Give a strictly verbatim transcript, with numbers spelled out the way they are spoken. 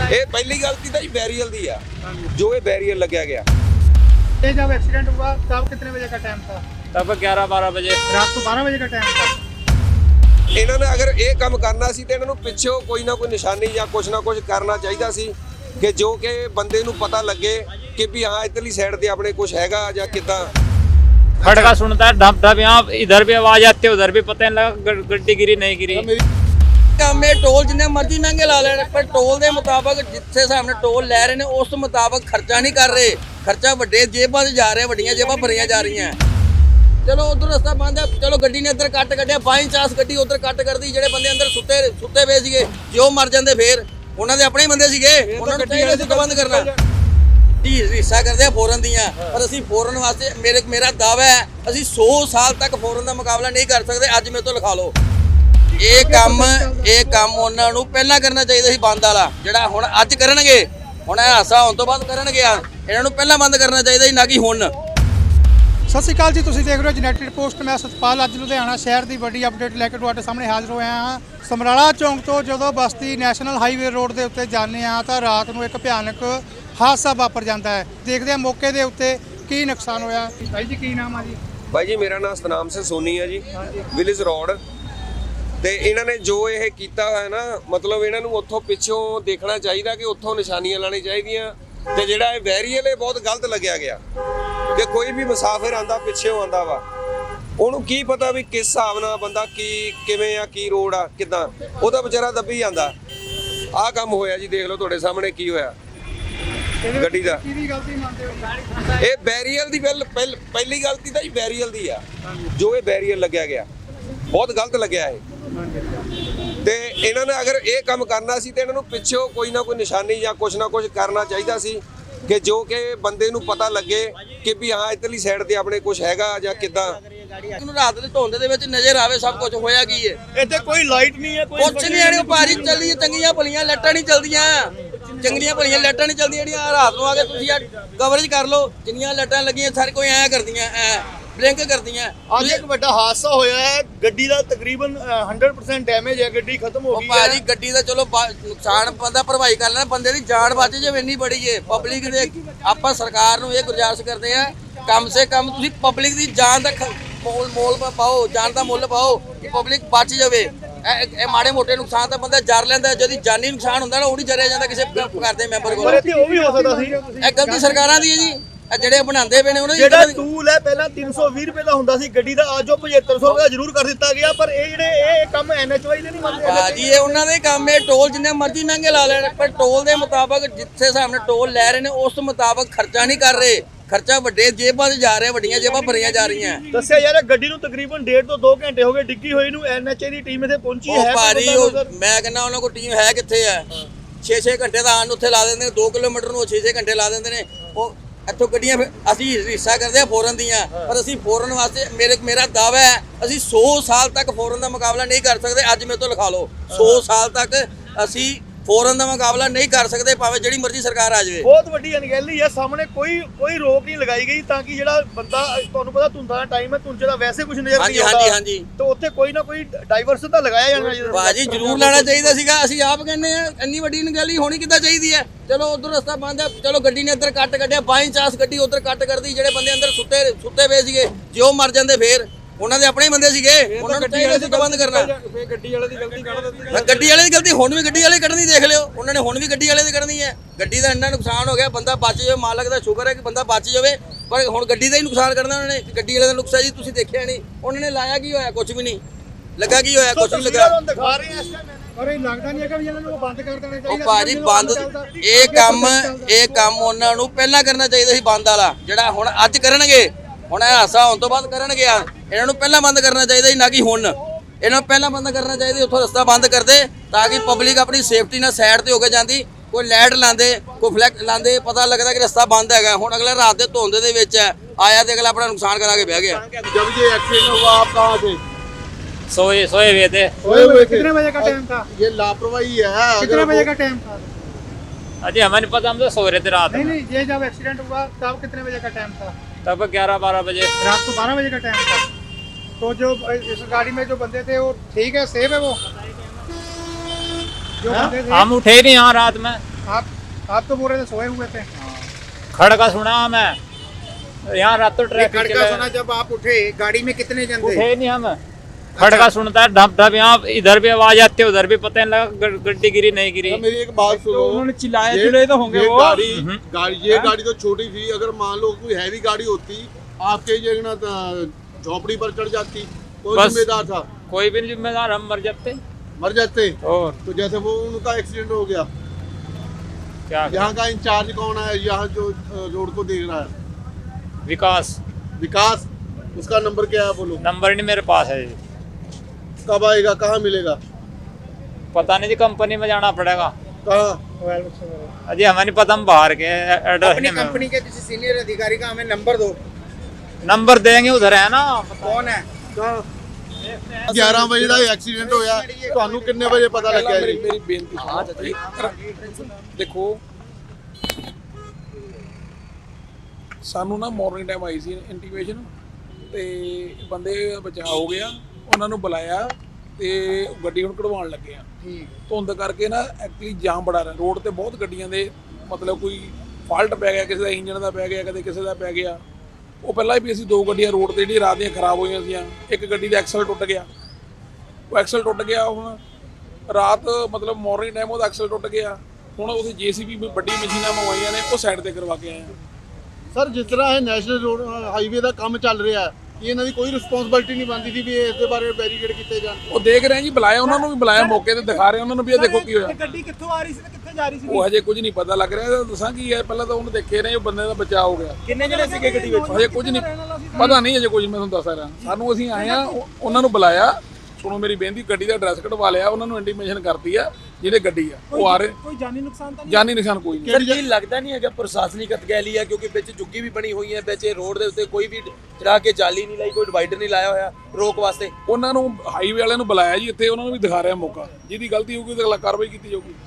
ਇਹ ਪਹਿਲੀ गलती तो बैरियल दी है जो ये बैरियल लग्या गया। ये जब एक्सीडेंट हुआ तब कितने बजे का टाइम था? तब ग्यारह बारह बजे रात को बारह बजे का टाइम था। इन्होंने अगर ये काम करना सी तो इन्होंने पिछों कोई ना कोई निशानी या कुछ ना कुछ करना चाहिए सी कि जो कि बंदे नूं पता लगे कि भी हाँ इधरली साइड ते अपने कुछ हैगा या किदां। खड़का सुनता है ढप ढप, यहाँ इधर भी आवाज आती है उधर भी पता नहीं लगा गड्डी गिरी नहीं गिरी। ਕੰਮ ਇਹ ਟੋਲ ਜਿੰਨੇ ਮਰਜ਼ੀ ਮਹਿੰਗੇ ਲਾ ਲੈਣ ਪਰ ਟੋਲ ਦੇ ਮੁਤਾਬਕ ਜਿੱਥੇ ਸਾਹਮਣੇ ਟੋਲ ਲੈ ਰਹੇ ਨੇ ਉਸ ਮੁਤਾਬਕ ਖਰਚਾ ਨਹੀਂ ਕਰ ਰਹੇ। ਖਰਚਾ ਵੱਡੇ ਜੇਬਾਂ 'ਚ ਜਾ ਰਿਹਾ, ਵੱਡੀਆਂ ਜੇਬਾਂ ਭਰੀਆਂ ਜਾ ਰਹੀਆਂ। ਚਲੋ ਉਧਰ ਰਸਤਾ ਬੰਦ ਹੈ, ਚਲੋ ਗੱਡੀ ਨੇ ਇੱਧਰ ਕੱਟ ਕੱਢਿਆ, ਬਾਈ ਚਾਂਸ ਗੱਡੀ ਉਧਰ ਕੱਟ ਕਰਦੀ। ਜਿਹੜੇ ਬੰਦੇ ਅੰਦਰ ਸੁੱਤੇ ਸੁੱਤੇ ਪਏ ਸੀਗੇ ਜੇ ਉਹ ਮਰ ਜਾਂਦੇ ਫੇਰ ਉਹਨਾਂ ਦੇ ਆਪਣੇ ਹੀ ਬੰਦੇ ਸੀਗੇ, ਉਹਨਾਂ ਨੂੰ ਚਾਹੀਦਾ ਸੀ ਬੰਦ ਕਰਨਾ। ਜੀ ਹਿੱਸਾ ਕਰਦੇ ਆ ਫੋਰਨ ਦੀਆਂ, ਪਰ ਅਸੀਂ ਫੋਰਨ ਵਾਸਤੇ ਮੇਰੇ ਮੇਰਾ ਦਾਅਵਾ ਹੈ ਅਸੀਂ ਸੌ ਸਾਲ ਤੱਕ ਫੋਰਨ ਦਾ ਮੁਕਾਬਲਾ ਨਹੀਂ ਕਰ ਸਕਦੇ। ਅੱਜ ਮੇਰੇ ਤੋਂ ਲਿਖਾ ਲਓ। ਇਹ ਕੰਮ ਇਹ ਕੰਮ ਉਹਨਾਂ ਨੂੰ ਪਹਿਲਾਂ ਕਰਨਾ ਚਾਹੀਦਾ ਸੀ ਬੰਦ ਵਾਲਾ, ਜਿਹੜਾ ਹੁਣ ਅੱਜ ਕਰਨਗੇ। ਹੁਣ ਇਹ ਹਾਸਾ ਹੋਣ ਤੋਂ ਬਾਅਦ ਕਰਨਗੇ, ਇਹਨਾਂ ਨੂੰ ਪਹਿਲਾਂ ਬੰਦ ਕਰਨਾ ਚਾਹੀਦਾ ਸੀ, ਨਾ ਕਿ ਹੁਣ। ਸਤਿ ਸ਼੍ਰੀ ਅਕਾਲ ਜੀ, ਤੁਸੀਂ ਦੇਖ ਰਹੇ ਹੋ ਯੂਨਾਈਟਿਡ ਪੋਸਟ। ਮੈਂ ਸਤਪਾਲ ਅੱਜ ਲੁਧਿਆਣਾ ਸ਼ਹਿਰ ਦੀ ਵੱਡੀ ਅਪਡੇਟ ਲੈ ਕੇ ਤੁਹਾਡੇ ਸਾਹਮਣੇ ਹਾਜ਼ਰ ਹੋਇਆ ਹਾਂ। ਸਮਰਾਲਾ ਚੌਂਕ ਤੋਂ ਜਦੋਂ ਬਸਤੀ ਨੈਸ਼ਨਲ ਹਾਈਵੇ ਰੋਡ ਦੇ ਉੱਤੇ ਜਾਂਦੇ ਆ ਤਾਂ ਰਾਤ ਨੂੰ ਇੱਕ ਭਿਆਨਕ ਹਾਦਸਾ ਵਾਪਰ ਜਾਂਦਾ ਹੈ। ਦੇਖਦੇ ਆ ਮੌਕੇ ਦੇ ਉੱਤੇ ਕੀ ਨੁਕਸਾਨ ਹੋਇਆ। ਭਾਈ ਜੀ ਕੀ ਨਾਮ ਆ ਜੀ? भाई जी मेरा नाम सतनाम सिंह सोनी है जी, विलेज रोड। ਤੇ ਇਹਨਾਂ ਨੇ ਜੋ ਇਹ ਕੀਤਾ ਹੈ ਨਾ, ਮਤਲਬ ਇਹਨਾਂ ਨੂੰ ਉੱਥੋਂ ਪਿੱਛੋਂ ਦੇਖਣਾ ਚਾਹੀਦਾ ਕਿ ਉੱਥੋਂ ਨਿਸ਼ਾਨੀਆਂ ਲਾਣੀ ਚਾਹੀਦੀਆਂ। ਤੇ ਜਿਹੜਾ ਇਹ ਬੈਰੀਅਰ ਇਹ ਬਹੁਤ ਗਲਤ ਲੱਗਿਆ ਗਿਆ ਕਿ ਕੋਈ ਵੀ ਮੁਸਾਫਿਰ ਆਂਦਾ ਪਿੱਛੋਂ ਆਂਦਾ ਵਾ, ਉਹਨੂੰ ਕੀ ਪਤਾ ਵੀ ਕਿਸ ਹਿਸਾਬ ਨਾਲ ਬੰਦਾ ਕੀ ਕਿਵੇਂ ਆ, ਕੀ ਰੋਡ ਆ, ਕਿਦਾਂ ਉਹਦਾ ਵਿਚਾਰਾ ਦੱਬੀ ਜਾਂਦਾ। ਆਹ ਕੰਮ ਹੋਇਆ ਜੀ, ਦੇਖ ਲਓ ਤੁਹਾਡੇ ਸਾਹਮਣੇ ਕੀ ਹੋਇਆ ਗੱਡੀ ਦਾ। ਕਿਹਦੀ ਗਲਤੀ ਮੰਨਦੇ ਹੋ? ਇਹ ਬੈਰੀਅਰ ਦੀ ਪਹਿਲ ਪਹਿਲੀ ਗਲਤੀ ਤਾਂ ਜੀ ਬੈਰੀਅਰ ਦੀ ਆ, ਜੋ ਇਹ ਬੈਰੀਅਰ ਲੱਗਿਆ ਗਿਆ ਬਹੁਤ ਗਲਤ ਲੱਗਿਆ ਇਹ। ਤੇ ਇਹਨਾਂ ਨੇ ਅਗਰ ਇਹ ਕੰਮ ਕਰਨਾ ਸੀ ਤੇ ਇਹਨਾਂ ਨੂੰ ਪਿੱਛੋਂ ਕੋਈ ਨਾ ਕੋਈ ਨਿਸ਼ਾਨੀ ਜਾਂ ਕੁਛ ਨਾ ਕੁਛ ਕਰਨਾ ਚਾਹੀਦਾ ਸੀ ਕਿ ਜੋ ਕਿ ਬੰਦੇ ਨੂੰ ਪਤਾ ਲੱਗੇ ਕਿ ਵੀ ਹਾਂ ਇਧਰਲੀ ਸਾਈਡ ਤੇ ਆਪਣੇ ਕੁਛ ਹੈਗਾ ਜਾਂ ਕਿਦਾਂ। ਇਹਨੂੰ ਰਾਤ ਦੇ ਧੁੰਦ ਦੇ ਵਿੱਚ ਨਜ਼ਰ ਆਵੇ ਸਭ ਕੁਝ ਹੋਇਆ ਕੀ ਹੈ। ਇੱਥੇ ਕੋਈ ਲਾਈਟ ਨਹੀਂ ਹੈ, ਕੁਛ ਨਹੀਂ ਆਣੀ ਭਾਰੀ ਚੱਲੀ ਚੰਗੀਆਂ ਭਲੀਆਂ ਲਾਈਟਾਂ ਨਹੀਂ ਚੱਲਦੀਆਂ, ਚੰਗੀਆਂ ਭਲੀਆਂ ਲਾਈਟਾਂ ਨਹੀਂ ਚੱਲਦੀਆਂ ਜਿਹੜੀਆਂ ਰਾਤ ਨੂੰ ਆ ਕੇ ਤੁਸੀਂ ਆ ਕਵਰੇਜ ਕਰ ਲਓ। ਜਿੰਨੀਆਂ ਲਾਈਟਾਂ ਲੱਗੀਆਂ ਸਾਰੇ ਕੋਈ ਐਂ ਕਰਦੀਆਂ, ਐ ਬਲਿੰਕ ਕਰਦੀਆਂ। ਅੱਜ ਇੱਕ ਵੱਡਾ ਹਾਦਸਾ ਹੋਇਆ ਹੈ, ਗੱਡੀ ਦਾ ਤਕਰੀਬਨ ਸੌ ਪਰਸੈਂਟ ਡੈਮੇਜ ਹੈ, ਗੱਡੀ ਖਤਮ ਹੋ ਗਈ ਹੈ। ਭਾਜੀ ਗੱਡੀ ਦਾ ਚਲੋ ਨੁਕਸਾਨ ਬੰਦਾ ਭਰਵਾਈ ਕਰ ਲੈਣਾ, ਬੰਦੇ ਦੀ ਜਾਨ ਬਚ ਜਾਵੇ ਇੰਨੀ ਬੜੀ ਏ। ਪਬਲਿਕ ਦੇ ਆਪਾਂ ਸਰਕਾਰ ਨੂੰ ਇਹ ਗੁਜ਼ਾਰਿਸ਼ ਕਰਦੇ ਆ ਕਮ ਸੇ ਕਮ ਤੁਸੀਂ ਪਬਲਿਕ ਦੀ ਜਾਨ ਦਾ ਮੋਲ ਮੋਲ ਪਾਓ, ਜਾਨ ਦਾ ਮੁੱਲ ਪਾਓ ਕਿ ਪਬਲਿਕ ਬਚ ਜਾਵੇ। ਇਹ ਮਾੜੇ ਮੋਟੇ ਨੁਕਸਾਨ ਤਾਂ ਬੰਦਾ ਜਰ ਲੈਂਦਾ, ਜਦੋਂ ਜਾਨੀ ਨੁਕਸਾਨ ਹੁੰਦਾ ਨਾ ਉਹ ਨਹੀਂ ਜਰਿਆ ਜਾਂਦਾ ਕਿਸੇ ਘਰ ਦੇ ਮੈਂਬਰ ਕੋਲ। ਇੱਥੇ ਉਹ ਵੀ ਹੋ ਸਕਦਾ ਸੀ। ਇਹ ਗਲਤੀ ਸਰਕਾਰਾਂ ਦੀ ਹੈ ਜੀ, ਇਹ ਜਿਹੜੇ ਬਣਾਉਂਦੇ ਪਏ ਨੇ ਉਹਨਾਂ ਦੀ। ਜਿਹੜਾ ਟੂਲ ਹੈ ਪਹਿਲਾਂ ਤਿੰਨ ਸੌ ਵੀਹ ਰੁਪਏ ਦਾ ਹੁੰਦਾ ਸੀ ਗੱਡੀ ਦਾ, ਅੱਜ ਉਹ ਪਝੱਤਰ ਸੌ ਰੁਪਏ ਜ਼ਰੂਰ ਕਰ ਦਿੱਤਾ ਗਿਆ। ਪਰ ਇਹ ਜਿਹੜੇ ਇਹ ਕੰਮ ਐਨ ਐਚ ਵਾਈ ਦੇ ਨਹੀਂ ਮੰਨਦੇ ਭਾਜੀ, ਇਹ ਉਹਨਾਂ ਦੇ ਕੰਮ ਹੈ। ਟੋਲ ਜਿੰਨੇ ਮਰਜ਼ੀ ਮਹਿੰਗੇ ਲਾ ਲੈਣ ਪਰ ਟੋਲ ਦੇ ਮੁਤਾਬਕ ਜਿੱਥੇ ਸਾਹਮਣੇ ਟੋਲ ਲੈ ਰਹੇ ਨੇ ਉਸ ਮੁਤਾਬਕ ਖਰਚਾ ਨਹੀਂ ਕਰ ਰਹੇ। ਖਰਚਾ ਵੱਡੇ ਜੇਬਾਂ 'ਚ ਜਾ ਰਿਹਾ, ਵੱਡੀਆਂ ਜੇਬਾਂ ਭਰੀਆਂ ਜਾ ਰਹੀਆਂ। ਦੱਸਿਆ ਯਾਰ ਗੱਡੀ ਨੂੰ ਤਕਰੀਬਨ ਡੇਢ ਤੋਂ ਦੋ ਘੰਟੇ ਹੋ ਗਏ ਡਿੱਗੀ ਹੋਈ ਨੂੰ। N H A the team ਇੱਥੇ ਪਹੁੰਚੀ ਹੈ। ਭਾਜੀ ਉਹ ਮੈਂ ਕਹਿੰਦਾ ਉਹਨਾਂ ਕੋਲ ਟੀਮ ਹੈ ਕਿੱਥੇ ਹੈ? ਛੇ ਛੇ ਘੰਟੇ ਦਾ ਆਣ ਉੱਥੇ ਲਾ ਦਿੰਦੇ ਨੇ, ਦੋ ਕਿਲੋਮੀਟਰ ਨੂੰ ਛੇ ਛੇ ਘੰਟੇ ਲਾ ਦਿੰਦੇ ਨੇ। ਉਹ ਇੱਥੋਂ ਗੱਡੀਆਂ ਅਸੀਂ ਹਿੱਸਾ ਕਰਦੇ ਆ ਫੋਰਨ ਦੀਆਂ, ਪਰ ਅਸੀਂ ਫੋਰਨ ਵਾਸਤੇ ਮੇਰੇ ਮੇਰਾ ਦਾਅਵਾ ਹੈ ਅਸੀਂ ਸੌ ਸਾਲ ਤੱਕ ਫੋਰਨ ਦਾ ਮੁਕਾਬਲਾ ਨਹੀਂ ਕਰ ਸਕਦੇ। ਅੱਜ ਮੇਰੇ ਤੋਂ ਲਿਖਾ ਲਓ, ਸੌ ਸਾਲ ਤੱਕ ਅਸੀਂ ਫੋਰਨ ਦਾ ਮੁਕਾਬਲਾ ਨਹੀਂ ਕਰ ਸਕਦੇ, ਭਾਵੇਂ ਜਿਹੜੀ ਮਰਜ਼ੀ ਸਰਕਾਰ ਆ ਜਾਵੇ। ਬਹੁਤ ਵੱਡੀ ਅਣਗਹਿਲੀ ਹੈ, ਸਾਹਮਣੇ ਕੋਈ ਕੋਈ ਰੋਕ ਨਹੀਂ ਲਗਾਈ ਗਈ ਤਾਂ ਕਿ ਜਿਹੜਾ ਬੰਦਾ, ਤੁਹਾਨੂੰ ਪਤਾ ਧੁੰਦਾਂ ਦਾ ਟਾਈਮ ਹੈ, ਧੁੰਦ ਦਾ ਵੈਸੇ ਕੁਝ ਨਜ਼ਰ ਨਹੀਂ ਆਉਂਦਾ। ਹਾਂਜੀ ਹਾਂਜੀ ਤਾਂ ਉੱਥੇ ਕੋਈ ਨਾ ਕੋਈ ਡਾਈਵਰਸ਼ਨ ਤਾਂ ਲਗਾਇਆ ਜਾਣਾ ਚਾਹੀਦਾ। ਭਾਜੀ ਜ਼ਰੂਰ ਲਾਣਾ ਚਾਹੀਦਾ ਸੀਗਾ। ਅਸੀਂ ਆਪ ਕਹਿੰਦੇ ਆ ਇੰਨੀ ਵੱਡੀ ਅਣਗਹਿਲੀ ਹੋਣੀ ਕਿੱਦਾਂ ਚਾਹੀਦੀ ਹੈ? ਚਲੋ ਉਧਰ ਰਸਤਾ ਬੰਦ ਹੈ, ਚਲੋ ਗੱਡੀ ਨੇ ਇੱਧਰ ਕੱਟ ਕੱਢਿਆ, ਬਾਈ ਚਾਂਸ ਗੱਡੀ ਉਧਰ ਕੱਟ ਕਰਦੀ। ਜਿਹੜੇ ਬੰਦੇ ਅੰਦਰ ਸੁੱਤੇ ਸੁੱਤੇ ਪਏ ਸੀਗੇ ਜੇ ਉਹ ਮਰ ਜਾਂਦੇ ਫੇਰ ਉਹਨਾਂ ਦੇ ਆਪਣੇ ਹੀ ਬੰਦੇ ਸੀਗੇ, ਉਹਨਾਂ ਨੂੰ ਚਾਹੀਦਾ ਸੀ ਬੰਦ ਕਰਨਾ। ਗੱਡੀ ਵਾਲੇ ਦੀ ਗਲਤੀ ਕੱਢ ਦਿੱਤੀ। ਗੱਡੀ ਵਾਲੇ ਦੀ ਗਲਤੀ ਹੁਣ ਵੀ ਗੱਡੀ ਵਾਲੇ ਕੱਢਣੀ ਦੇਖ ਲਿਓ, ਉਹਨਾਂ ਨੇ ਹੁਣ ਵੀ ਗੱਡੀ ਵਾਲੇ ਦੀ ਕੱਢਣੀ ਹੈ। ਗੱਡੀ ਦਾ ਇੰਨਾ ਨੁਕਸਾਨ ਹੋ ਗਿਆ, ਬੰਦਾ ਬਚ ਜਾਵੇ, ਮਾਲਕ ਦਾ ਸ਼ੁਕਰ ਹੈ ਕਿ ਬੰਦਾ ਬਚ ਜਾਵੇ, ਪਰ ਹੁਣ ਗੱਡੀ ਦਾ ਹੀ ਨੁਕਸਾਨ ਕਰਨਾ ਉਹਨਾਂ ਨੇ। ਗੱਡੀ ਵਾਲੇ ਦਾ ਨੁਕਸਾਨ ਜੀ ਤੁਸੀਂ ਦੇਖਿਆ ਨਹੀਂ, ਉਹਨਾਂ ਨੇ ਲਾਇਆ ਕੀ ਹੋਇਆ? ਕੁਝ ਵੀ ਨਹੀਂ ਲੱਗਾ। ਕੀ ਹੋਇਆ? ਕੁਝ ਨਹੀਂ ਲੱਗਾ। ਦਿਖਾ ਰਹੇ ਆ ਇਸ ਟਾਈਮ। ਪਰ ਇਹ ਲੱਗਦਾ ਨਹੀਂ ਹੈਗਾ ਵੀ ਇਹਨਾਂ ਨੂੰ ਬੰਦ ਕਰ ਦੇਣਾ ਉਹ ਚਾਹੀਦਾ। ਭਾਜੀ ਬੰਦ ਇਹ ਕੰਮ ਇਹ ਕੰਮ ਉਹਨਾਂ ਨੂੰ ਪਹਿਲਾਂ ਕਰਨਾ ਚਾਹੀਦਾ ਸੀ ਬੰਦ ਵਾਲਾ, ਜਿਹੜਾ ਹੁਣ ਅੱਜ ਕਰਨਗੇ। ਹੁਣ ਇਹ ਹਾਸਾ ਹੋਣ ਤੋਂ ਬਾਅਦ ਕਰਨਗੇ, ਇਹਨਾਂ ਨੂੰ ਪਹਿਲਾਂ ਬੰਦ ਕਰਨਾ ਚਾਹੀਦਾ ਸੀ, ਨਾ ਕਿ ਹੁਣ। ਇਹਨਾਂ ਨੂੰ ਪਹਿਲਾਂ ਬੰਦ ਕਰਨਾ ਚਾਹੀਦਾ, ਉੱਥੋਂ ਰਸਤਾ ਬੰਦ ਕਰਦੇ ਤਾਂ ਕਿ ਪਬਲਿਕ ਆਪਣੀ ਸੇਫਟੀ ਨਾਲ ਸਾਈਡ ਤੇ ਹੋ ਕੇ ਜਾਂਦੀ। ਕੋਈ ਲਾਈਟ ਲਾਉਂਦੇ, ਕੋਈ ਫਲੈਕ ਲਾਉਂਦੇ, ਪਤਾ ਲੱਗਦਾ ਕਿ ਰਸਤਾ ਬੰਦ ਹੈਗਾ। ਹੁਣ ਅਗਲਾ ਰਾਤ ਦੇ ਧੁੰਦ ਦੇ ਵਿੱਚ ਆਇਆ ਤੇ ਅਗਲਾ ਆਪਣਾ ਨੁਕਸਾਨ ਕਰਾ ਕੇ ਬਹਿ ਗਿਆ। जब ये एक्सीडेंट हुआ आप कहाँ थे? सोए सोए हुए थे। सोए हुए थे। कितने बजे का टाइम था? ये लापरवाही है। कितने बजे का टाइम था? अजय हमें नहीं पता, हम तो सो रहे थे रात नहीं में। नहीं, ये जब एक्सीडेंट हुआ तब कितने बजे का टाइम था? तब ग्यारह बारह बजे रात को बारह बजे का टाइम था। तो जो इस गाड़ी में जो बंदे थे वो ठीक है, सेफ है वो जो बंदे थे? हम उठे नहीं यहाँ रात में। आप आप तो बोल रहे थे सोए हुए थे। खड़का सुना मैं यहाँ रात तो ट्रैफिक खड़का चला सुना जब आप उठे गाड़ी में कितने जन थे? उठे नहीं हम खड़का सुनता है ढप ढप यहाँ इधर भी आवाज आती है उधर भी पता नहीं लगा ग- गड्डी गिरी नहीं गिरी। मेरी एक बात सुनो, उन्होंने चिल्लाए ये- चिल्लाए तो होंगे ये वो। गाड़ी गाड़ी ये गाड़ी तो छोटी थी, अगर मान लो कोई हैवी गाड़ी होती आपके जगह ना झोपड़ी पर चढ़ जाती, कौन बस। जिम्मेदार था? कोई भी नहीं जिम्मेदार, हम मर जाते मर जाते। और तो जैसे वो उनका एक्सीडेंट हो गया, क्या यहाँ का इंचार्ज कौन है, यहाँ जो अ, रोड को देख रहा है? विकास विकास, उसका नंबर क्या है बोलो? नंबर नहीं मेरे पास है जी। कब आएगा, कहाँ मिलेगा? पता नहीं जी, कंपनी में जाना पड़ेगा। कहाँ? अजी हमें नहीं पता, हम बाहर के एड्रेस अपनी नहीं कंपनी के किसी सीनियर अधिकारी का हमें नंबर दो। नंबर देंगे, उधर है ना। कौन है? कहाँ? ग्यारह बजे का एक्सीडेंट होया, ਤੁਹਾਨੂੰ ਕਿੰਨੇ ਵਜੇ ਪਤਾ ਲੱਗਿਆ ਜੀ? ਮੇਰੀ ਬੇਨਤੀ ਸੁਣੋ। ਦੇਖੋ ਸਾਨੂੰ ਨਾ ਮਾਰਨਿੰਗ ਟਾਈਮ ਆਈ ਸੀ ਇੰਟੀਮੇਸ਼ਨ ਤੇ ਬੰਦੇ ਬਚਾਅ ਹੋ ਗਿਆ, ਉਹਨਾਂ ਨੂੰ ਬੁਲਾਇਆ ਤੇ ਗੱਡੀ ਹੁਣ ਕਢਵਾਉਣ ਲੱਗੇ ਆ। ਧੁੰਦ ਕਰਕੇ ਨਾ ਐਕਚੁਅਲੀ ਜਾਮ ਬੜਾ ਰਿਹਾ ਰੋਡ ਤੇ, ਬਹੁਤ ਗੱਡੀਆਂ ਦੇ ਮਤਲਬ ਕੋਈ ਫਾਲਟ ਪੈ ਗਿਆ, ਕਿਸੇ ਦਾ ਇੰਜਨ ਦਾ ਪੈ ਗਿਆ, ਕਦੇ ਕਿਸੇ ਦਾ ਪੈ ਗਿਆ। ਉਹ ਪਹਿਲਾਂ ਵੀ ਅਸੀਂ ਦੋ ਗੱਡੀਆਂ ਰੋਡ ਤੇ ਜਿਹੜੀ ਰਾਤ ਦੀਆਂ ਖਰਾਬ ਹੋਈਆਂ ਸੀਆਂ, ਇੱਕ ਗੱਡੀ ਦਾ ਐਕਸਲ ਟੁੱਟ ਗਿਆ, ਉਹ ਐਕਸਲ ਟੁੱਟ ਗਿਆ। ਹੁਣ ਰਾਤ ਮਤਲਬ ਮਾਰਨਿੰਗ ਟਾਈਮ ਉਹਦਾ ਐਕਸਲ ਟੁੱਟ ਗਿਆ, ਹੁਣ ਉਹਦੀ ਜੇਸੀਬੀ ਵੱਡੀ ਮਸ਼ੀਨਾਂ ਮੰਗਵਾਈਆਂ ਨੇ, ਉਹ ਸਾਈਡ ਤੇ ਕਰਵਾ ਕੇ ਆਏ ਆ। ਸਰ ਜਿਸ ਤਰ੍ਹਾਂ ਇਹ ਨੈਸ਼ਨਲ ਰੋਡ ਹਾਈਵੇ ਦਾ ਕੰਮ ਚੱਲ ਰਿਹਾ ਹੈ, ਇਹ ਇਹਨਾਂ ਦੀ ਕੋਈ ਰਿਸਪੌਂਸਿਬਿਲਟੀ ਨਹੀਂ ਬਣਦੀ ਸੀ ਵੀ ਇਸ ਦੇ ਬਾਰੇ ਬੈਰੀਕੇਡ ਕੀਤੇ ਜਾਣ? ਉਹ ਦੇਖ ਰਹੇ ਆ ਜੀ, ਬੁਲਾਇਆ ਉਹਨਾਂ ਨੂੰ ਵੀ, ਬੁਲਾਇਆ ਮੌਕੇ ਤੇ ਦਿਖਾ ਰਹੇ ਉਹਨਾਂ ਨੂੰ ਵੀ ਇਹ ਦੇਖੋ ਕੀ ਹੋਇਆ। ਗੱਡੀ ਕਿੱਥੋਂ ਆ ਰਹੀ ਸੀ ਤੇ ਕਿੱਥੇ ਜਾ ਰਹੀ ਸੀ? ਉਹ ਹਜੇ ਕੁਝ ਨਹੀਂ ਪਤਾ ਲੱਗ ਰਿਹਾ, ਦੱਸਾਂ ਕੀ ਹੈ, ਪਹਿਲਾਂ ਤਾਂ ਉਹਨੂੰ ਦੇਖੇ ਰਹੇ, ਉਹ ਬੰਦੇ ਦਾ ਬਚਾਅ ਹੋ ਗਿਆ। ਕਿੰਨੇ ਜਣੇ ਸੀਗੇ ਗੱਡੀ ਵਿੱਚ? ਹਜੇ ਕੁਝ ਨਹੀਂ ਪਤਾ, ਨਹੀਂ ਹਜੇ ਕੁਝ, ਮੈਂ ਤੁਹਾਨੂੰ ਦੱਸ ਰਿਹਾ। ਸਾਨੂੰ ਅਸੀਂ ਆਏ ਆ, ਉਹ- ਉਹਨਾਂ ਨੂੰ ਬੁਲਾਇਆ, ਸੁਣੋ ਮੇਰੀ ਬੇਨਤੀ, ਗੱਡੀ ਦਾ ਐਡਰੈਸ ਕਢਵਾ ਲਿਆ, ਉਹਨਾਂ ਨੂੰ ਇੰਟੀਮੇਸ਼ਨ ਕਰਤੀ ਆ ਜਿਹੜੇ ਗੱਡੀ ਆ ਉਹ ਆ ਰਹੇ। ਕੋਈ ਜਾਨੀ ਨੁਕਸਾਨ ਤਾਂ ਜਾਨੀ ਨਿਸ਼ਾਨ ਕੋਈ ਨਹੀਂ। ਸਰ ਕੀ ਲੱਗਦਾ ਨਹੀਂ ਹੈਗਾ ਪ੍ਰਸ਼ਾਸਨਿਕ ਅਤਗੈਲੀ ਹੈ, ਕਿਉਂਕਿ ਵਿੱਚ ਜੁੱਗੀ ਵੀ ਬਣੀ ਹੋਈ ਹੈ, ਵਿੱਚ ਰੋਡ ਦੇ ਉੱਤੇ ਕੋਈ ਵੀ ਚੜਾ ਕੇ ਜਾਲੀ ਨਹੀਂ ਲਾਈ, ਕੋਈ ਡਿਵਾਈਡਰ ਨਹੀਂ ਲਾਇਆ ਹੋਇਆ ਰੋਕ ਵਾਸਤੇ। ਉਹਨਾਂ ਨੂੰ ਹਾਈਵੇ ਵਾਲਿਆਂ ਨੂੰ ਬੁਲਾਇਆ ਜੀ ਇੱਥੇ, ਉਹਨਾਂ ਨੂੰ ਵੀ ਦਿਖਾ ਰਿਹਾ ਮੌਕਾ, ਜਿਹਦੀ ਗਲਤੀ ਹੋਊਗੀ ਉਹਦੇ ਖਿਲਾਫ ਕਾਰਵਾਈ ਕੀਤੀ ਜਾਊਗੀ।